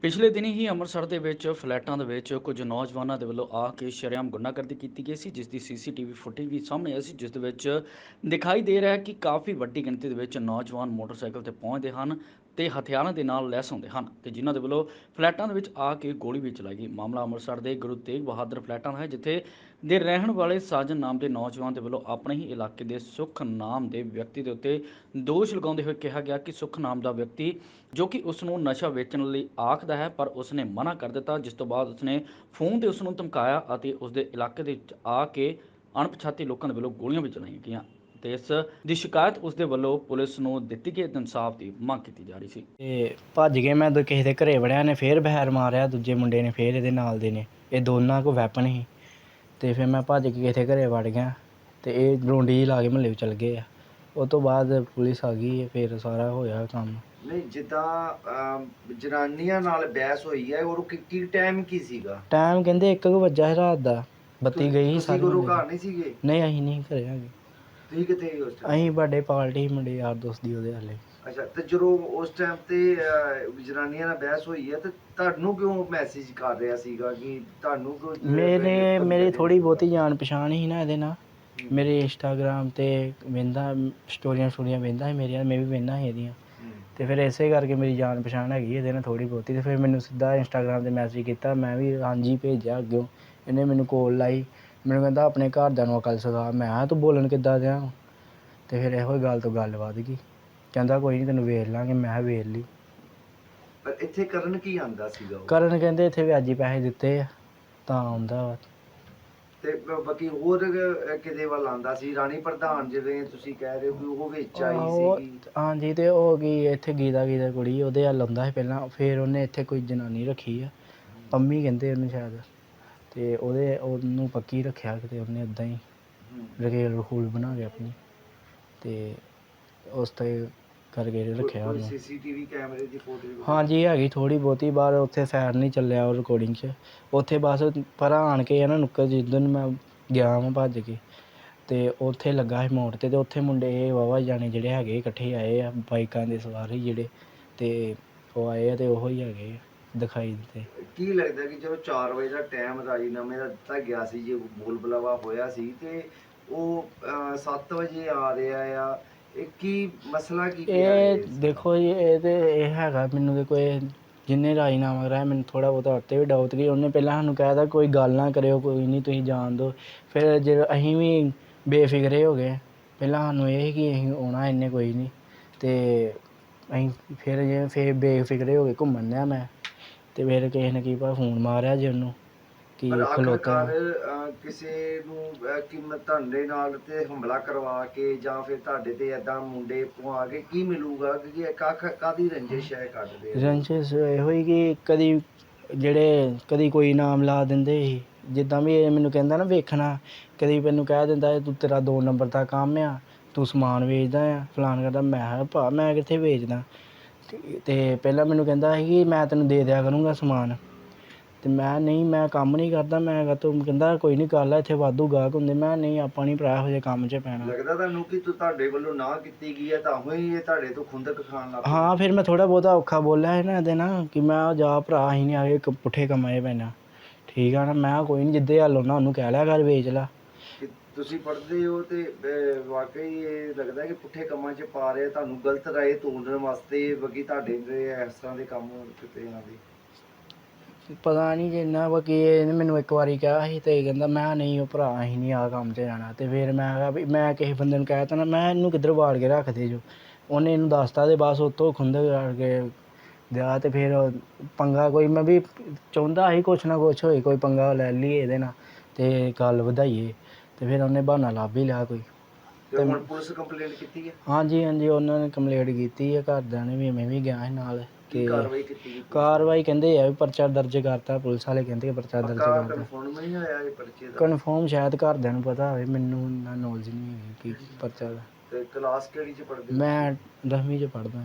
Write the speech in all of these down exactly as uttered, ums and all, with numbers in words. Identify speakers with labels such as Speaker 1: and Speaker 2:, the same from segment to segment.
Speaker 1: ਪਿਛਲੇ ਦਿਨੀ ਹੀ ਅੰਮ੍ਰਿਤਸਰ ਦੇ ਵਿੱਚ ਫਲੈਟਾਂ ਦੇ ਵਿੱਚ ਕੁਝ ਨੌਜਵਾਨਾਂ ਦੇ ਵੱਲੋਂ ਆ ਕੇ ਸ਼ਰੇਆਮ ਗੁੰਡਾਗਰਦੀ ਕੀਤੀ ਗਈ ਸੀ, ਜਿਸ ਦੀ ਸੀਸੀਟੀਵੀ ਫੁਟੇਜ ਵੀ ਸਾਹਮਣੇ ਆਈ ਸੀ, ਜਿਸ ਦੇ ਵਿੱਚ ਦਿਖਾਈ ਦੇ ਰਿਹਾ ਹੈ ਕਿ ਕਾਫੀ ਵੱਡੀ ਗਿਣਤੀ ਦੇ ਵਿੱਚ ਨੌਜਵਾਨ ਮੋਟਰਸਾਈਕਲ ਤੇ ਪਹੁੰਚਦੇ ਹਨ ਤੇ ਹਥਿਆਰਾਂ ਦੇ ਨਾਲ ਲੈਸ ਹੁੰਦੇ ਹਨ ਤੇ ਜਿਨ੍ਹਾਂ ਦੇ ਵੱਲੋਂ ਫਲੈਟਾਂ ਦੇ ਵਿੱਚ ਆ ਕੇ ਗੋਲੀ ਵੀ ਚਲਾਈ ਗਈ। ਮਾਮਲਾ ਅੰਮ੍ਰਿਤਸਰ ਦੇ ਗੁਰੂ ਤੇਗ ਬਹਾਦਰ ਫਲੈਟਾਂ ਦਾ ਹੈ, ਜਿੱਥੇ ਦੇ ਰਹਿਣ ਵਾਲੇ ਸਾਜਨ ਨਾਮ ਦੇ ਨੌਜਵਾਨ ਦੇ ਵੱਲੋਂ ਆਪਣੇ ਹੀ ਇਲਾਕੇ ਦੇ ਸੁਖ ਨਾਮ ਦੇ ਵਿਅਕਤੀ ਦੇ ਉੱਤੇ ਦੋਸ਼ ਲਗਾਉਂਦੇ ਹੋਏ ਕਿਹਾ ਗਿਆ ਕਿ ਸੁਖ ਨਾਮ ਦਾ ਵਿਅਕਤੀ ਜੋ ਕਿ ਉਸ ਨੂੰ ਨਸ਼ਾ ਵੇਚਣ ਲਈ ਆਖਦਾ ਹੈ, ਪਰ ਉਸਨੇ ਮਨਾ ਕਰ ਦਿੱਤਾ, ਜਿਸ ਤੋਂ ਬਾਅਦ ਉਸਨੇ ਫੋਨ ਤੇ ਉਸ ਨੂੰ ਧਮਕਾਇਆ ਅਤੇ ਉਸਦੇ ਇਲਾਕੇ ਦੇ ਵਿੱਚ ਆ ਕੇ ਅਣਪਛਾਤੇ ਲੋਕਾਂ ਦੇ ਵੱਲੋਂ ਗੋਲੀਆਂ ਵੀ ਚਲਾਈਆਂ ਗਈਆਂ ਤੇ ਇਸ ਦੀ ਸ਼ਿਕਾਇਤ ਉਸਦੇ ਵੱਲੋਂ ਪੁਲਿਸ ਨੂੰ ਦਿੱਤੀ ਗਈ। ਇਨਸਾਫ ਦੀ ਮੰਗ ਕੀਤੀ ਜਾ ਰਹੀ ਸੀ
Speaker 2: ਤੇ ਭੱਜ ਕੇ ਮੈਂ ਦੋ ਕਿਸੇ ਦੇ ਘਰੇ ਵੜਿਆ, ਨੇ ਫੇਰ ਬਹਿਰ ਮਾਰਿਆ, ਦੂਜੇ ਮੁੰਡੇ ਨੇ ਫੇਰ ਇਹਦੇ ਨਾਲ ਦੇ ਨੇ, ਇਹ ਦੋਨਾਂ ਕੋਲ ਵੈਪਨ ਸੀ। ਤੇ ਫਿਰ ਮੈਂ ਭੱਜ ਕੇ ਕਿਸੇ ਦੇ ਘਰੇ ਵੜ ਗਿਆ ਤੇ ਇਹ ਰੋਂਡੀ ਲਾ ਕੇ ਮਹੱਲੇ ਵਿੱਚ ਚਲ ਗਏ ਆ। ਉਹ ਤੋਂ ਬਾਅਦ ਪੁਲਿਸ ਆ ਗਈ, ਫਿਰ ਸਾਰਾ ਹੋਇਆ ਕੰਮ।
Speaker 3: ਨਹੀਂ, ਜਿੱਦਾਂ ਜਨਾਨੀਆਂ ਨਾਲ ਬਹਿਸ ਹੋਈ ਹੈ, ਉਹ ਕੀ ਟਾਈਮ ਕੀ ਸੀਗਾ?
Speaker 2: ਟਾਈਮ ਕਹਿੰਦੇ ਇੱਕ ਕੁ ਵੱਜਾ ਸੀ ਰਾਤ ਦਾ, ਬੱਤੀ ਗਈ ਸੀ
Speaker 3: ਤੁਸੀਂ
Speaker 2: ਸਾਰੀ।
Speaker 3: ਗੁਰੂ ਘਰ ਨਹੀਂ ਸੀਗੇ?
Speaker 2: ਨਹੀਂ, ਅਸੀਂ ਨਹੀਂ ਘਰੇ ਹੈਗੇ।
Speaker 3: ਤੁਸੀਂ ਕਿੱਥੇ ਸੀ ਉਸ ਟਾਈਮ?
Speaker 2: ਅਸੀਂ ਬਰਥਡੇ ਪਾਰਟੀ ਮੁੰਡੇ ਯਾਰ ਦੋਸਤ ਦੀ ਉਹਦੇ ਹਾਲੇ।
Speaker 3: ਅੱਛਾ, ਤੇ ਜਦੋਂ ਉਸ ਟਾਈਮ ਤੇ ਜਨਾਨੀਆਂ ਨਾਲ ਬਹਿਸ ਹੋਈ ਹੈ ਤੇ ਤੁਹਾਨੂੰ ਕਿਉਂ ਮੈਸੇਜ ਕਰ ਰਿਹਾ ਸੀਗਾ ਕਿ ਤੁਹਾਨੂੰ ਕਿਉਂ?
Speaker 2: ਮੇਰੇ ਮੇਰੀ ਥੋੜੀ ਬਹੁਤੀ ਜਾਣ ਪਛਾਣ ਸੀ ਨਾ ਇਹਦੇ ਨਾਲ। ਮੇਰੇ ਇੰਸਟਾਗ੍ਰਾਮ ਤੇ ਵੇਂਦਾ ਸਟੋਰੀਆਂ ਸਟੋਰੀਆਂ ਵੇਂਦਾ ਸੀ ਮੇਰੀਆਂ, ਮੈਂ ਵੀ ਵੇਂਦਾ ਸੀ ਇਹਦੀਆਂ। ਤੇ ਫਿਰ ਇਸੇ ਕਰਕੇ ਮੇਰੀ ਜਾਣ ਪਛਾਣ ਹੈਗੀ ਇਹਦੇ ਨਾਲ ਥੋੜੀ ਬਹੁਤੀ। ਤੇ ਫਿਰ ਮੈਨੂੰ ਸਿੱਧਾ ਇੰਸਟਾਗ੍ਰਾਮ ਤੇ ਮੈਸੇਜ ਕੀਤਾ, ਮੈਂ ਵੀ ਹਾਂਜੀ ਭੇਜਿਆ ਅੱਗਿਓਂ। ਇਹਨੇ ਮੈਨੂੰ ਕੋਲ ਲਾਈ, ਮੈਨੂੰ ਕਹਿੰਦਾ ਆਪਣੇ ਘਰਦਿਆਂ ਨੂੰ ਅਕਲ ਸਿਖਾ। ਮੈਂ ਕਿਹਾ ਤੂੰ ਬੋਲਣ ਕਿੱਦਾਂ ਦਿਆਂ? ਤੇ ਫਿਰ ਇਹੋ ਗੱਲ ਤੋਂ ਗੱਲ ਵੱਧ ਗਈ। ਕਹਿੰਦਾ ਕੋਈ ਨਹੀਂ ਤੈਨੂੰ ਵੇਖ ਲਾਂਗੇ। ਮੈਂ ਕਿਹਾ ਵੇਖ ਲਈ।
Speaker 3: ਪਰ ਇੱਥੇ ਕਰਨ ਕੀ ਆਂਦਾ ਸੀਗਾ?
Speaker 2: ਕਰਨ ਕਹਿੰਦੇ ਇੱਥੇ ਵਿਆਜੀ ਪੈਸੇ ਦਿੱਤੇ ਆ ਤਾਂ ਆਉਂਦਾ ਵਾ।
Speaker 3: ਤੇ ਬਾਕੀ ਹੋਰ ਕਿਹਦੇ ਵੱਲ ਆਂਦਾ ਸੀ? ਰਾਣੀ ਪ੍ਰਧਾਨ ਜਿਵੇਂ ਤੁਸੀਂ ਕਹਿ ਰਹੇ ਹੋ ਕਿ ਉਹ ਵਿੱਚ ਆਈ ਸੀਗੀ।
Speaker 2: ਹਾਂਜੀ, ਤੇ ਉਹ ਕੀ ਇੱਥੇ ਗੀਤਾ ਗੀਤਾ ਕੁੜੀ ਉਹਦੇ ਵੱਲ ਆਉਂਦਾ ਸੀ ਪਹਿਲਾਂ। ਫਿਰ ਉਹਨੇ ਇੱਥੇ ਕੋਈ ਜਨਾਨੀ ਰੱਖੀ ਆ, ਪੰਮੀ ਕਹਿੰਦੇ ਉਹਨੂੰ ਸ਼ਾਇਦ, ਤੇ ਉਹਦੇ ਉਹਨੂੰ ਪੱਕੀ ਰੱਖਿਆ ਕਿਤੇ ਉਹਨੇ ਇੱਦਾਂ ਹੀ ਰਕੇਲ ਰਖੂਲ ਬਣਾ ਕੇ ਆਪਣੀ, ਤੇ ਉਸ ਤੇ ਕਰਕੇ ਰੱਖਿਆ ਉਹਨੂੰ।
Speaker 3: ਸੀਸੀਟੀਵੀ ਕੈਮਰੇ ਦੀ ਫੋਟੋ? ਹਾਂਜੀ,
Speaker 2: ਹੈਗੀ ਥੋੜੀ ਬਹੁਤੀ। ਬਾਹਰ ਉੱਥੇ ਫੈਰ ਨਹੀਂ ਚੱਲਿਆ ਉਹ ਰਿਕਾਰਡਿੰਗ 'ਚ। ਉੱਥੇ ਬਸ ਪਰਾਂ ਆਣ ਕੇ ਨਾ ਨੁੱਕਰ ਜਿੱਦਣ ਮੈਂ ਗਿਆ ਵਾਂ ਭੱਜ ਕੇ, ਤੇ ਉੱਥੇ ਲੱਗਾ ਸੀ ਮੋੜ 'ਤੇ। ਤੇ ਉੱਥੇ ਮੁੰਡੇ ਵਾਹਵਾ ਜਾਣੇ ਜਿਹੜੇ ਹੈਗੇ ਇਕੱਠੇ ਆਏ ਆ, ਬਾਈਕਾਂ ਦੇ ਸਵਾਰ ਹੀ ਜਿਹੜੇ, ਤੇ ਉਹ ਆਏ ਆ ਤੇ ਉਹੋ ਹੀ ਹੈਗੇ ਦਿਖਾਈ ਦਿੱਤੇ।
Speaker 3: ਕੀ ਲੱਗਦਾ ਕਿ ਜਦੋਂ ਚਾਰ ਵਜੇ ਦਾ ਟਾਈਮ ਰਾਜੀਨਾਮੇ ਦਾ ਦਿੱਤਾ ਗਿਆ ਸੀ, ਜੇ ਬੋਲ ਬੁਲਾਵਾ ਹੋਇਆ ਸੀ, ਤੇ ਉਹ ਸੱਤ ਵਜੇ ਆ ਰਿਹਾ ਆ, ਇਹ ਕੀ ਮਸਲਾ ਕੀ?
Speaker 2: ਇਹ ਦੇਖੋ ਜੀ, ਇਹ ਤੇ ਇਹ ਹੈਗਾ ਮੈਨੂੰ ਤੇ ਕੋਈ ਜਿਹਨੇ ਰਾਜੀਨਾਮਾ ਕਰਾਇਆ, ਮੈਨੂੰ ਥੋੜ੍ਹਾ ਬਹੁਤਾ ਉੱਤੇ ਵੀ ਡਾਊਟ ਕਿ ਉਹਨੇ ਪਹਿਲਾਂ ਸਾਨੂੰ ਕਹਿ ਤਾ ਕੋਈ ਗੱਲ ਨਾ ਕਰਿਓ, ਕੋਈ ਨਹੀਂ ਤੁਸੀਂ ਜਾਣ ਦਿਓ। ਫਿਰ ਜੇ ਅਸੀਂ ਵੀ ਬੇਫਿਕਰੇ ਹੋ ਗਏ। ਪਹਿਲਾਂ ਸਾਨੂੰ ਇਹ ਸੀ ਕਿ ਅਸੀਂ ਆਉਣਾ ਇੰਨੇ ਕੋਈ ਨਹੀਂ, ਤੇ ਅਸੀਂ ਫਿਰ ਜੇ ਫਿਰ ਬੇਫਿਕਰੇ ਹੋ ਗਏ ਘੁੰਮਣ ਡਿਆ ਮੈਂ। ਤੇ ਫਿਰ ਕਿਸੇ ਨੇ ਕੀ ਪਤਾ ਫੋਨ ਮਾਰਿਆ ਜੀ ਉਹਨੂੰ ਕਿ ਖਲੋਤਾ।
Speaker 3: ਕਿਸੇ ਨੂੰ ਕੀਮਤ ਤੁਹਾਡੇ ਨਾਲ ਤੇ ਹਮਲਾ ਕਰਵਾ ਕੇ ਜਾਂ ਫਿਰ ਤੁਹਾਡੇ ਤੇ ਏਦਾਂ ਮੁੰਡੇ ਪਵਾ ਕੇ ਕੀ ਮਿਲੂਗਾ? ਕਿ ਕੱਖ ਕਾਹਦੀ ਰੰਜਿਸ਼ ਹੈ ਕੱਢਦੇ?
Speaker 2: ਰੰਜਿਸ਼ ਇਹੋ ਹੀ ਕਿ ਕਦੀ ਜਿਹੜੇ ਕਦੀ ਕੋਈ ਨਾਮ ਲਾ ਦਿੰਦੇ ਸੀ, ਜਿੱਦਾਂ ਵੀ ਇਹ ਮੈਨੂੰ ਕਹਿੰਦਾ ਨਾ ਵੇਖਣਾ, ਕਦੀ ਮੈਨੂੰ ਕਹਿ ਦਿੰਦਾ ਤੂੰ ਤੇਰਾ ਦੋ ਨੰਬਰ ਦਾ ਕੰਮ ਆ, ਤੂੰ ਸਮਾਨ ਵੇਚਦਾ ਆ ਫਲਾਨ ਕਰਦਾ। ਮੈਂ ਕਿਹਾ ਭਾ ਮੈਂ ਕਿੱਥੇ ਵੇਚਦਾ? ਤੇ ਪਹਿਲਾਂ ਮੈਨੂੰ ਕਹਿੰਦਾ ਸੀ ਕਿ ਮੈਂ ਤੈਨੂੰ ਦੇ ਦਿਆ ਕਰੂੰਗਾ ਸਮਾਨ, ਤੇ ਮੈਂ ਨਹੀਂ ਮੈਂ ਕੰਮ ਨਹੀਂ ਕਰਦਾ। ਮੈਂ ਕਿਹਾ ਤੂੰ ਕਹਿੰਦਾ ਕੋਈ ਨਹੀਂ ਕਰ ਲੈ, ਇੱਥੇ ਵਾਧੂ ਗਾਹਕ ਹੁੰਦੇ। ਮੈਂ ਨਹੀਂ ਆਪਾਂ ਨਹੀਂ ਭਰਾ ਇਹੋ ਜਿਹੇ ਕੰਮ 'ਚ ਪੈਣਾ।
Speaker 3: ਲੱਗਦਾ ਤੁਹਾਨੂੰ ਕਿ ਤੂੰ ਤੁਹਾਡੇ ਵੱਲੋਂ ਨਾ ਕੀਤੀ ਗਈ ਹੈ ਤਾਂ ਹੀ ਇਹ ਤੁਹਾਡੇ ਤੋਂ ਖੁੰਦਕ ਖਾਣ ਲੱਗ ਪਿਆ?
Speaker 2: ਹਾਂ, ਫਿਰ ਮੈਂ ਥੋੜ੍ਹਾ ਬਹੁਤਾ ਔਖਾ ਬੋਲਿਆ ਹੈ ਨਾ ਇਹਦੇ ਨਾਲ ਕਿ ਮੈਂ ਜਾ ਭਰਾ ਅਸੀਂ ਨਹੀਂ ਆਏ ਪੁੱਠੇ ਕੰਮਾਂ 'ਚ ਪੈਣਾ, ਠੀਕ ਆ ਨਾ। ਮੈਂ ਕੋਈ ਨਹੀਂ ਜਿੱਦੇ ਹੱਲ ਹੋਣਾ ਉਹਨੂੰ ਕਹਿ ਲਿਆ ਕਰ ਵੇਚ ਲਾ।
Speaker 3: ਤੁਸੀਂ ਪੜ੍ਹਦੇ ਹੋ ਤੇ ਵਾਕਈ ਇਹ ਲੱਗਦਾ ਕਿ ਪੁੱਠੇ ਕੰਮਾਂ 'ਚ ਪਾ ਰਹੇ ਤੁਹਾਨੂੰ, ਗਲਤ ਰਾਏ ਤੋੜਨ ਵਾਸਤੇ ਬਾਕੀ ਤੁਹਾਡੇ ਦੇ ਇਸ ਤਰ੍ਹਾਂ ਦੇ ਕੰਮ ਕਿਤੇ ਇਹਨਾਂ ਦੇ?
Speaker 2: ਪਤਾ ਨਹੀਂ ਜਿੰਨਾ ਬਾਕੀ ਇਹਨੇ ਮੈਨੂੰ ਇੱਕ ਵਾਰੀ ਕਿਹਾ ਸੀ ਤੇ ਕਹਿੰਦਾ ਮੈਂ ਨਹੀਂ ਉਹ ਭਰਾ ਅਸੀਂ ਨਹੀਂ ਆਹ ਕੰਮ 'ਚ ਜਾਣਾ। ਤੇ ਫਿਰ ਮੈਂ ਕਿਹਾ ਵੀ ਮੈਂ ਕਿਸੇ ਬੰਦੇ ਨੂੰ ਕਹਿ ਤਾ ਨਾ, ਮੈਂ ਇਹਨੂੰ ਕਿੱਧਰ ਵਾੜ ਕੇ ਰੱਖਦੇ ਜੋ। ਉਹਨੇ ਇਹਨੂੰ ਦੱਸਤਾ ਤੇ ਬਸ ਉੱਥੋਂ ਖੁੰਦਕ ਕਰਕੇ ਦਿਆ। ਤੇ ਫਿਰ ਪੰਗਾ ਕੋਈ ਮੈਂ ਵੀ ਚਾਹੁੰਦਾ ਸੀ ਕੁਛ ਨਾ ਕੁਛ ਹੋਏ, ਕੋਈ ਪੰਗਾ ਲੈ ਲਈਏ ਇਹਦੇ ਨਾਲ ਤੇ ਗੱਲ ਵਧਾਈਏ। ਤੇ ਫਿਰ ਉਹਨੇ ਬਹਾਨਾ ਲੱਭ ਹੀ ਲਿਆ ਕੋਈ।
Speaker 3: ਤੇ ਹੁਣ ਪੁਲਿਸ ਕੰਪਲੇਂਟ ਕੀਤੀ ਹੈ?
Speaker 2: ਹਾਂਜੀ ਹਾਂਜੀ, ਉਹਨਾਂ ਨੇ ਕੰਪਲੇਂਟ ਕੀਤੀ ਹੈ ਘਰਦਿਆਂ ਨੇ ਵੀ, ਮੈਂ ਵੀ ਗਿਆ ਸੀ ਨਾਲ।
Speaker 3: ਕੀ ਕਾਰਵਾਈ ਕੀਤੀ?
Speaker 2: ਕਾਰਵਾਈ ਕਹਿੰਦੇ ਆ ਵੀ ਪਰਚਾ ਦਰਜ ਕਰਤਾ, ਪੁਲਿਸ ਵਾਲੇ ਕਹਿੰਦੇ ਪਰਚਾ ਦਰਜ ਕਰਤਾ।
Speaker 3: ਕਨਫਰਮ ਨਹੀਂ ਹੋਇਆ ਇਹ ਪਰਚੇ ਦਾ?
Speaker 2: ਕਨਫਰਮ ਸ਼ਾਇਦ ਘਰਦਿਆਂ ਨੂੰ ਪਤਾ ਹੋਵੇ, ਮੈਨੂੰ ਇੰਨਾ ਨੌਲੇਜ ਨਹੀਂ ਹੈਗੀ ਕਿ ਪਰਚਾ ਦਾ।
Speaker 3: ਤੇ ਕਲਾਸ ਕਿਹੜੀ 'ਚ ਪੜ੍ਹਦੇ?
Speaker 2: ਮੈਂ ਦਸਵੀਂ 'ਚ ਪੜ੍ਹਦਾ।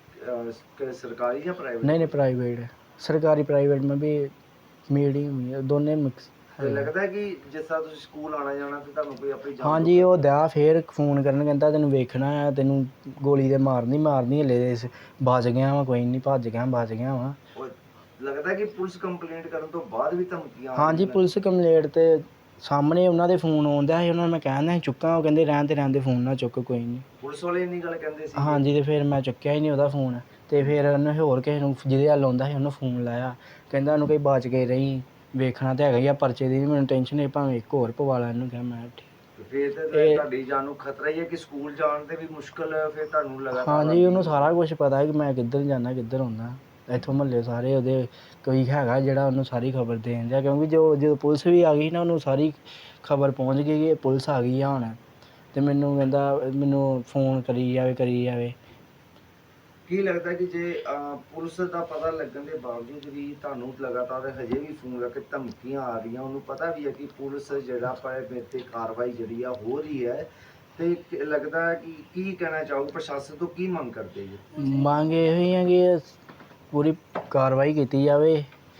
Speaker 3: ਸਰਕਾਰੀ ਜਾਂ ਪ੍ਰਾਈਵੇਟ?
Speaker 2: ਨਹੀਂ ਨਹੀਂ, ਪ੍ਰਾਈਵੇਟ ਹੈ। ਸਰਕਾਰੀ ਪ੍ਰਾਈਵੇਟ ਮੈਂ ਵੀ ਮੀਡੀਅਮ ਹੀ ਦੋਨੇ ਮਿਕਸ।
Speaker 3: ਤੇ ਲੱਗਦਾ ਕਿ ਜਿਸ ਤਰ੍ਹਾਂ ਤੁਸੀਂ ਸਕੂਲ ਆਉਣਾ ਜਾਣਾ ਤੇ ਤੁਹਾਨੂੰ ਕੋਈ ਆਪਣੀ ਜਾਨ?
Speaker 2: ਹਾਂਜੀ, ਉਹ ਦਿਆ ਫਿਰ ਫੋਨ ਕਰਨ, ਕਹਿੰਦਾ ਤੈਨੂੰ ਵੇਖਣਾ ਆ, ਤੈਨੂੰ ਗੋਲੀ ਤੇ ਮਾਰਨੀ ਮਾਰਨੀ, ਹਲੇ ਬਚ ਗਿਆ ਵਾ, ਕੋਈ ਨਹੀਂ ਭੱਜ ਗਿਆ ਬਚ ਗਿਆ ਵਾ।
Speaker 3: ਲੱਗਦਾ ਕਿ ਪੁਲਿਸ ਕੰਪਲੇਂਟ ਕਰਨ ਤੋਂ ਬਾਅਦ ਵੀ ਧਮਕੀਆਂ ਆ
Speaker 2: ਹਾਂਜੀ
Speaker 3: ਰਹੀਆਂ ਨੇ?
Speaker 2: ਪੁਲਿਸ ਕੰਪਲੇਂਟ ਤੇ ਸਾਹਮਣੇ ਉਹਨਾਂ ਦੇ ਫੋਨ ਆਉਂਦਾ ਸੀ, ਉਹਨਾਂ ਨੂੰ ਮੈਂ ਕਹਿੰਦਾ ਸੀ ਚੁੱਕਾਂ, ਉਹ ਕਹਿੰਦੇ ਰਹਿਣ ਤੇ ਰਹਿੰਦੇ ਫੋਨ ਨਾ ਚੁੱਕ ਕੋਈ ਨਹੀਂ।
Speaker 3: ਪੁਲਿਸ ਵਾਲੇ ਇੰਨੀ ਗੱਲ ਕਹਿੰਦੇ ਸੀ?
Speaker 2: ਹਾਂਜੀ ਤੇ ਫਿਰ ਮੈਂ ਚੁੱਕਿਆ ਹੀ ਨਹੀਂ ਉਹਦਾ ਫੋਨ, ਤੇ ਫਿਰ ਉਹਨੇ ਹੋਰ ਕਿਸੇ ਨੂੰ ਜਿਹਦੇ ਵੱਲ ਆਉਂਦਾ ਸੀ ਉਹਨੂੰ ਫੋਨ ਲਾਇਆ, ਕਹਿੰਦਾ ਉਹਨੂੰ ਕੋਈ ਬਚ ਕੇ ਰਹੀ, ਵੇਖਣਾ ਤਾਂ ਹੈਗਾ ਹੀ ਆ ਪਰਚੇ ਦੀ, ਮੈਨੂੰ ਟੈਨਸ਼ਨ ਹੈ ਭਾਵੇਂ ਇੱਕ ਹੋਰ ਪਵਾ ਲਾ ਇਹਨੂੰ। ਕਿਹਾ ਮੈਂ ਠੀਕ।
Speaker 3: ਫਿਰ ਤੇ
Speaker 2: ਇਹ-
Speaker 3: ਤੁਹਾਡੀ ਜਾਨ ਨੂੰ ਖਤਰਾ ਹੀ ਹੈ ਕਿ ਸਕੂਲ ਜਾਣ ਤੇ ਵੀ ਮੁਸ਼ਕਲ ਫਿਰ ਤੁਹਾਨੂੰ ਲਗਾਤਾਰ
Speaker 2: ਹਾਂਜੀ
Speaker 3: ਆਉਂਦੀ
Speaker 2: ਉਹਨੂੰ
Speaker 3: ਹੈ।
Speaker 2: ਸਾਰਾ ਕੁਝ ਪਤਾ ਹੈ ਕਿ ਮੈਂ ਕਿੱਧਰ ਜਾਂਦਾ ਕਿੱਧਰ ਆਉਂਦਾ, ਇੱਥੋਂ ਮਹੱਲੇ ਸਾਰੇ ਉਹਦੇ ਕੋਈ ਹੈਗਾ ਜਿਹੜਾ ਉਹਨੂੰ ਸਾਰੀ ਖਬਰ ਦੇਣ ਦਿਆ, ਕਿਉਂਕਿ ਜੋ ਜਦੋਂ ਪੁਲਿਸ ਵੀ ਆ ਗਈ ਨਾ ਉਹਨੂੰ ਸਾਰੀ ਖਬਰ ਪਹੁੰਚ ਗਈ ਕਿ ਪੁਲਿਸ ਆ ਗਈ ਆ ਹੁਣ, ਤੇ ਮੈਨੂੰ ਕਹਿੰਦਾ ਮੈਨੂੰ ਫੋਨ ਕਰੀ ਜਾਵੇ ਕਰੀ ਜਾਵੇ।
Speaker 3: ਕੀ ਲੱਗਦਾ ਕਿ ਜੇ ਅਹ, ਪੁਲਿਸ ਦਾ ਪਤਾ ਲੱਗਣ ਦੇ ਬਾਵਜੂਦ ਵੀ ਤੁਹਾਨੂੰ ਲਗਾਤਾਰ ਹਜੇ ਵੀ ਫੋਨ ਕਰਕੇ ਧਮਕੀਆਂ ਆ ਰਹੀਆਂ, ਉਹਨੂੰ ਪਤਾ ਵੀ ਹੈ ਕਿ ਪੁਲਿਸ ਜਿਹੜਾ ਪਰ ਮੇਰੇ ਤੇ ਕਾਰਵਾਈ ਜਿਹੜੀ ਆ ਹੋ ਰਹੀ ਹੈ, ਤੇ ਕਿ- ਲੱਗਦਾ ਹੈ ਕਿ ਕੀ ਕਹਿਣਾ ਚਾਹੋ, ਪ੍ਰਸ਼ਾਸਨ ਤੋਂ ਕੀ ਮੰਗ ਕਰਦੇ ਜੀ?
Speaker 2: ਮੰਗ ਇਹੋ ਹੀ ਹੈ ਕਿ ਪੂਰੀ ਕਾਰਵਾਈ ਕੀਤੀ ਜਾਵੇ,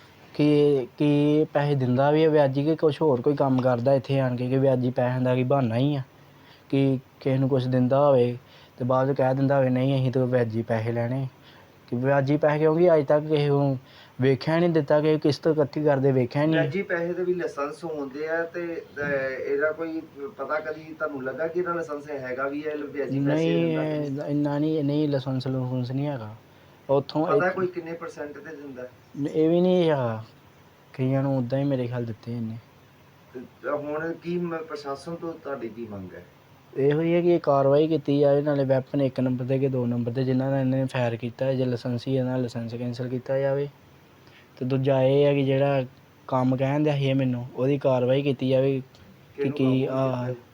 Speaker 2: ਕਿ ਕੀ ਪੈਸੇ ਦਿੰਦਾ ਵੀ ਹੈ ਵਿਆਜੀ ਕਿ ਕੁਛ ਹੋਰ ਕੋਈ ਕੰਮ ਕਰਦਾ ਇੱਥੇ ਆਣ ਕੇ, ਕਿ ਵਿਆਜੀ ਪੈਸਿਆਂ ਦਾ ਕੀ ਬਹਾਨਾ ਹੀ ਆ, ਕਿ ਕਿਸੇ ਨੂੰ ਕੁਛ ਦਿੰਦਾ ਹੋਵੇ ਤੇ ਬਾਅਦ 'ਚ ਕਹਿ ਦਿੰਦਾ ਹੋਵੇ ਨਹੀਂ ਅਸੀਂ ਤਾਂ ਵਿਆਜੀ ਪੈਸੇ ਲੈਣੇ, ਕਿ ਵਿਆਜੀ ਪੈਸੇ, ਕਿਉਂਕਿ ਅੱਜ ਤੱਕ ਕਿਸੇ ਨੂੰ ਵੇਖਿਆ ਨਹੀਂ ਦਿੱਤਾ ਕਿ ਕਿਸ਼ਤ ਇਕੱਠੀ ਕਰਦੇ ਵੇਖਿਆ ਨਹੀਂ।
Speaker 3: ਵਿਆਜੀ ਪੈਸੇ ਦੇ ਵੀ ਲਾਇਸੈਂਸ ਹੁੰਦੇ ਆ, ਤੇ ਅਹ, ਇਹਦਾ ਕੋਈ ਪਤਾ ਕਦੀ ਤੁਹਾਨੂੰ ਲੱਗਾ ਕਿ ਇਹਦਾ ਲਾਇਸੈਂਸ ਹੈਗਾ ਵੀ ਹੈ ਵਿਆਜੀ ਪੈਸੇ
Speaker 2: ਨਹੀਂ
Speaker 3: ਦਿੰਦਾ ਕਿ ਨਹੀਂ?
Speaker 2: ਇੰਨਾ ਨਹੀਂ ਨਹੀਂ ਲਾਇਸੈਂਸ ਲੂਸੈਂਸ ਨਹੀਂ ਹੈਗਾ ਉੱਥੋਂ।
Speaker 3: ਪਤਾ
Speaker 2: ਇੱਕ-
Speaker 3: ਕੋਈ ਕਿੰਨੇ ਪਰਸੈਂਟ ਤੇ ਦਿੰਦਾ?
Speaker 2: ਇਹ ਵੀ ਨਹੀਂ ਹੈਗਾ, ਕਈਆਂ ਨੂੰ ਉੱਦਾਂ ਹੀ ਮੇਰੇ ਖਿਆਲ ਦਿੱਤੇ ਇਹਨੇ।
Speaker 3: ਤੇ ਹੁਣ ਕੀ ਮ- ਪ੍ਰਸ਼ਾਸਨ ਤੋਂ ਤੁਹਾਡੀ ਕੀ ਮੰਗ ਹੈ?
Speaker 2: ਇਹੋ ਹੀ ਹੈ ਕਿ ਇਹ ਕਾਰਵਾਈ ਕੀਤੀ ਜਾਵੇ, ਨਾਲੇ ਵੈਪਨ ਇੱਕ ਨੰਬਰ 'ਤੇ ਕਿ ਦੋ ਨੰਬਰ 'ਤੇ ਜਿਨ੍ਹਾਂ ਦਾ ਇਹਨੇ ਫਾਇਰ ਕੀਤਾ, ਜੇ ਲਾਇਸੈਂਸੀ ਇਹਨਾਂ ਦਾ ਲਾਇਸੈਂਸ ਕੈਂਸਲ ਕੀਤਾ ਜਾਵੇ, ਅਤੇ ਦੂਜਾ ਇਹ ਹੈ ਕਿ ਜਿਹੜਾ ਕੰਮ ਕਹਿਣ ਦਿਆ ਸੀ ਇਹ ਮੈਨੂੰ, ਉਹਦੀ ਕਾਰਵਾਈ ਕੀਤੀ ਜਾਵੇ ਕਿ
Speaker 3: ਕਿਹਨੂੰ
Speaker 2: ਕੀ
Speaker 3: ਕਾਬੂ
Speaker 2: ਆ
Speaker 3: ਕੀਤਾ?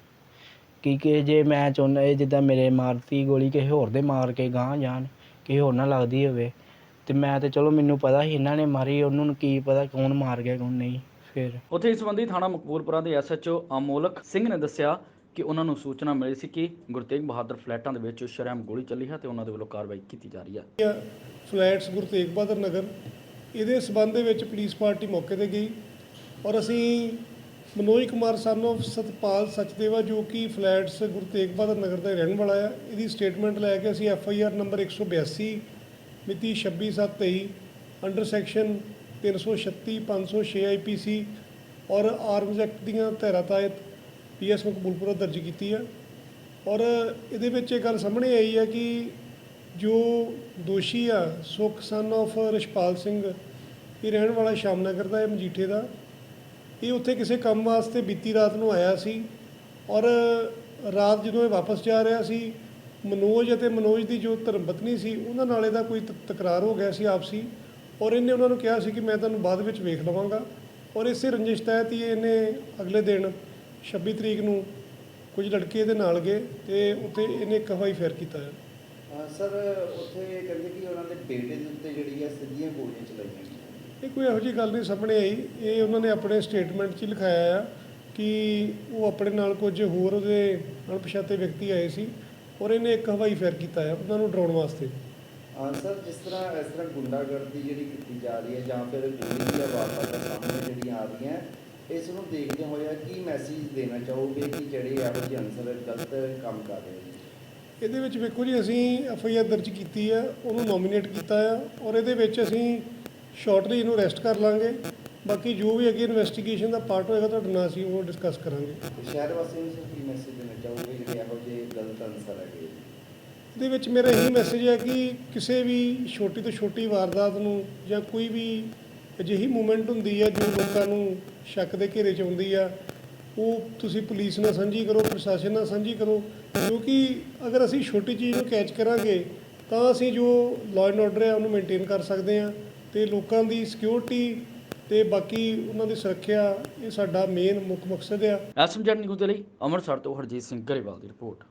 Speaker 2: ਕਿ ਕਿ ਜੇ ਮੈਂ ਚਾਹੁੰਦਾ ਇਹ ਜਿੱਦਾਂ ਮੇਰੇ ਮਾਰਤੀ ਗੋਲੀ ਕਿਸੇ ਹੋਰ ਦੇ ਮਾਰ ਕੇ ਗਾਂਹ ਜਾਣ, ਕਿਸੇ ਹੋਰ ਨਾਲ ਲੱਗਦੀ ਹੋਵੇ, ਤੇ ਮੈਂ ਤਾਂ ਚਲੋ ਮੈਨੂੰ ਪਤਾ ਸੀ ਇਹਨਾਂ ਨੇ ਮਾਰੀ, ਉਹਨਾਂ ਨੂੰ ਕੀ ਪਤਾ ਕੌਣ ਮਾਰ ਗਿਆ ਕੌਣ ਨਹੀਂ। ਫਿਰ
Speaker 1: ਉੱਥੇ ਇਸ ਸੰਬੰਧੀ ਥਾਣਾ ਮਕਬੂਲਪੁਰਾ ਦੇ S H O Amolak Singh ਨੇ ਦੱਸਿਆ ਕਿ ਉਹਨਾਂ ਨੂੰ ਸੂਚਨਾ ਮਿਲੀ ਸੀ ਕਿ ਗੁਰੂ ਤੇਗ ਬਹਾਦਰ ਫਲੈਟਾਂ ਦੇ ਵਿੱਚ ਸ਼ਰੇਆਮ ਗੋਲੀ ਚੱਲੀ ਹੈ ਤੇ ਉਹਨਾਂ ਦੇ ਵੱਲੋਂ ਕਾਰਵਾਈ ਕੀਤੀ ਜਾ ਰਹੀ ਹੈ।
Speaker 4: ਫਲੈਟਸ ਗੁਰੂ ਤੇਗ ਬਹਾਦਰ ਨਗਰ, ਇਹਦੇ ਸਬੰਧ ਦੇ ਵਿੱਚ ਪੁਲਿਸ ਪਾਰਟੀ ਮੌਕੇ ਤੇ ਗਈ, ਔਰ ਅਸੀਂ ਮਨੋਜ ਕੁਮਾਰ ਸਨ ਆਫ ਸਤਪਾਲ ਸਚਦੇਵਾ, ਜੋ ਕਿ ਫਲੈਟਸ ਗੁਰੂ ਤੇਗ ਬਹਾਦਰ ਨਗਰ ਦਾ ਰਹਿਣ ਵਾਲਾ ਆ, ਇਹਦੀ ਸਟੇਟਮੈਂਟ ਲੈ ਕੇ ਅਸੀਂ ਐਫ ਆਈ ਆਰ ਨੰਬਰ ਇੱਕ ਸੌ ਬਿਆਸੀ ਮਿਤੀ ਛੱਬੀ ਸੱਤ ਤੇਈ ਅੰਡਰ ਸੈਕਸ਼ਨ ਤਿੰਨ ਸੌ ਛੱਤੀ ਪੰਜ ਸੌ ਛੇ ਆਈ ਪੀ ਸੀ ਔਰ ਆਰਮਜ਼ ਐਕਟ ਦੀਆਂ ਧਾਰਾ ਤਹਿਤ ਪੀ ਐਸ ਮਕਬੂਲਪੁਰਾ ਦਰਜ ਕੀਤੀ ਆ। ਔਰ ਇਹਦੇ ਵਿੱਚ ਇਹ ਗੱਲ ਸਾਹਮਣੇ ਆਈ ਹੈ ਕਿ ਜੋ ਦੋਸ਼ੀ ਆ ਸੁਖ ਸਨ ਆਫ ਰਿਸ਼ਪਾਲ ਸਿੰਘ, ਇਹ ਰਹਿਣ ਵਾਲਾ ਸ਼ਾਮਨਗਰ ਦਾ, ਇਹ ਮਜੀਠੇ ਦਾ, ਇਹ ਉੱਥੇ ਕਿਸੇ ਕੰਮ ਵਾਸਤੇ ਬੀਤੀ ਰਾਤ ਨੂੰ ਆਇਆ ਸੀ, ਔਰ ਰਾਤ ਜਦੋਂ ਇਹ ਵਾਪਸ ਜਾ ਰਿਹਾ ਸੀ, ਮਨੋਜ ਅਤੇ ਮਨੋਜ ਦੀ ਜੋ ਧਰਮ ਪਤਨੀ ਸੀ ਉਹਨਾਂ ਨਾਲ ਇਹਦਾ ਕੋਈ ਤ- ਤਕਰਾਰ ਹੋ ਗਿਆ ਸੀ ਆਪਸੀ, ਔਰ ਇਹਨੇ ਉਹਨਾਂ ਨੂੰ ਕਿਹਾ ਸੀ ਕਿ ਮੈਂ ਤੁਹਾਨੂੰ ਬਾਅਦ ਵਿੱਚ ਵੇਖ ਲਵਾਂਗਾ, ਔਰ ਇਸੇ ਰੰਜਿਸ਼ ਤਹਿਤ ਹੀ ਇਹਨੇ ਅਗਲੇ ਦਿਨ ਛੱਬੀ ਤਰੀਕ ਨੂੰ ਕੁਝ ਲੜਕੇ ਇਹਦੇ ਨਾਲ ਗਏ ਤੇ ਉੱਥੇ ਇਹਨੇ ਇੱਕ ਹਵਾਈ ਫੇਰ ਕੀਤਾ ਹੈ।
Speaker 5: ਸਰ ਉੱਥੇ ਕਹਿੰਦੇ ਕਿ ਉਹਨਾਂ ਦੇ ਬੇਟੇ ਦੇ ਉੱਤੇ ਜਿਹੜੀ ਹੈ ਸਿੱਧੀਆਂ ਗੋਲੀਆਂ ਚਲਾਈਆਂ ਗਈਆਂ।
Speaker 4: ਇਹ ਕੋਈ ਇਹੋ ਜਿਹੀ ਗੱਲ ਨਹੀਂ ਸਾਹਮਣੇ ਆਈ, ਇਹ ਉਹਨਾਂ ਨੇ ਆਪਣੇ ਸਟੇਟਮੈਂਟ 'ਚ ਹੀ ਲਿਖਾਇਆ ਆ ਕਿ ਉਹ ਆਪਣੇ ਨਾਲ ਕੁਝ ਹੋਰ ਉਹਦੇ ਅਣਪਛਾਤੇ ਵਿਅਕਤੀ ਆਏ ਸੀ, ਔਰ ਇਹਨੇ ਇੱਕ ਹਵਾਈ ਫੇਰ ਕੀਤਾ ਹੈ ਉਹਨਾਂ ਨੂੰ ਡਰਾਉਣ ਵਾਸਤੇ।
Speaker 5: ਹਾਂ ਸਰ, ਜਿਸ ਤਰ੍ਹਾਂ ਇਸ ਤਰ੍ਹਾਂ ਗੁੰਡਾਗਰਦੀ ਜਿਹੜੀ ਕੀਤੀ ਜਾ ਰਹੀ ਹੈ ਜਾਂ ਫਿਰ ਗੋਲੀ ਦੀਆਂ ਵਾਰਦਾਤਾਂ ਸਾਹਮਣੇ ਜਿਹੜੀਆਂ ਆ ਰਹੀਆਂ, ਇਸ ਨੂੰ ਦੇਖਦੇ ਹੋਇਆ ਕੀ ਮੈਸੇਜ ਦੇਣਾ ਚਾਹੋਗੇ ਕਿ ਜਿਹੜੇ ਇਹੋ ਜਿਹੇ ਅਨਸਰ ਗਲਤ ਕੰਮ ਕਰ ਰਹੇ ਨੇ?
Speaker 4: ਇਹਦੇ ਵਿੱਚ ਵੇਖੋ ਜੀ, ਅਸੀਂ ਐਫ ਆਈ ਆਰ ਦਰਜ ਕੀਤੀ ਆ, ਉਹਨੂੰ ਨੋਮੀਨੇਟ ਕੀਤਾ ਆ, ਔਰ ਇਹਦੇ ਵਿੱਚ ਅਸੀਂ ਸ਼ਾਰਟਲੀ ਇਹਨੂੰ ਅਰੈਸਟ ਕਰ ਲਾਂਗੇ। ਬਾਕੀ ਜੋ ਵੀ ਅੱਗੇ ਇਨਵੈਸਟੀਗੇਸ਼ਨ ਦਾ ਪਾਰਟ ਹੋਏਗਾ ਤੁਹਾਡੇ ਨਾਲ ਅਸੀਂ ਉਹ ਡਿਸਕਸ ਕਰਾਂਗੇ।
Speaker 5: ਤੇ ਸ਼ਹਿਰ ਵਾਸੀਆਂ ਨੂੰ ਸਰ ਕੀ ਮੈਸੇਜ ਦੇਣਾ ਚਾਹੋਗੇ ਜਿਹੜੇ ਇਹੋ ਜਿਹੇ ਗਲਤ ਅਨਸਰ ਹੈਗੇ?
Speaker 4: ਇਹਦੇ ਵਿੱਚ ਮੇਰਾ ਇਹੀ ਮੈਸੇਜ ਹੈ ਕਿ ਕਿਸੇ ਵੀ ਛੋਟੀ ਤੋਂ ਛੋਟੀ ਵਾਰਦਾਤ ਨੂੰ ਜਾਂ ਕੋਈ ਵੀ ਅਜਿਹੀ ਮੂਵਮੈਂਟ ਹੁੰਦੀ ਹੈ ਜੋ ਲੋਕਾਂ ਨੂੰ ਸ਼ੱਕ ਦੇ ਘੇਰੇ 'ਚ ਆਉਂਦੀ ਆ, ਉਹ ਤੁਸੀਂ ਪੁਲਿਸ ਨਾਲ ਸਾਂਝੀ ਕਰੋ, ਪ੍ਰਸ਼ਾਸਨ ਨਾਲ ਸਾਂਝੀ ਕਰੋ, ਕਿਉਂਕਿ ਅਗਰ ਅਸੀਂ ਛੋਟੀ ਚੀਜ਼ ਨੂੰ ਕੈਚ ਕਰਾਂਗੇ ਤਾਂ ਅਸੀਂ ਜੋ ਲਾਅ ਐਂਡ ਆਰਡਰ ਹੈ ਉਹਨੂੰ ਮੇਨਟੇਨ ਕਰ ਸਕਦੇ ਹਾਂ, ਅਤੇ ਲੋਕਾਂ ਦੀ ਸਿਕਿਉਰਿਟੀ ਅਤੇ ਬਾਕੀ ਉਹਨਾਂ ਦੀ ਸੁਰੱਖਿਆ, ਇਹ ਸਾਡਾ ਮੇਨ ਮੁੱਖ ਮਕਸਦ ਆ।
Speaker 1: ਐਸ ਐਮ ਜੈਡ ਨਿਊਜ਼ ਦੇ ਲਈ ਅੰਮ੍ਰਿਤਸਰ ਤੋਂ ਹਰਜੀਤ ਸਿੰਘ ਗਰੇਵਾਲ ਦੀ ਰਿਪੋਰਟ।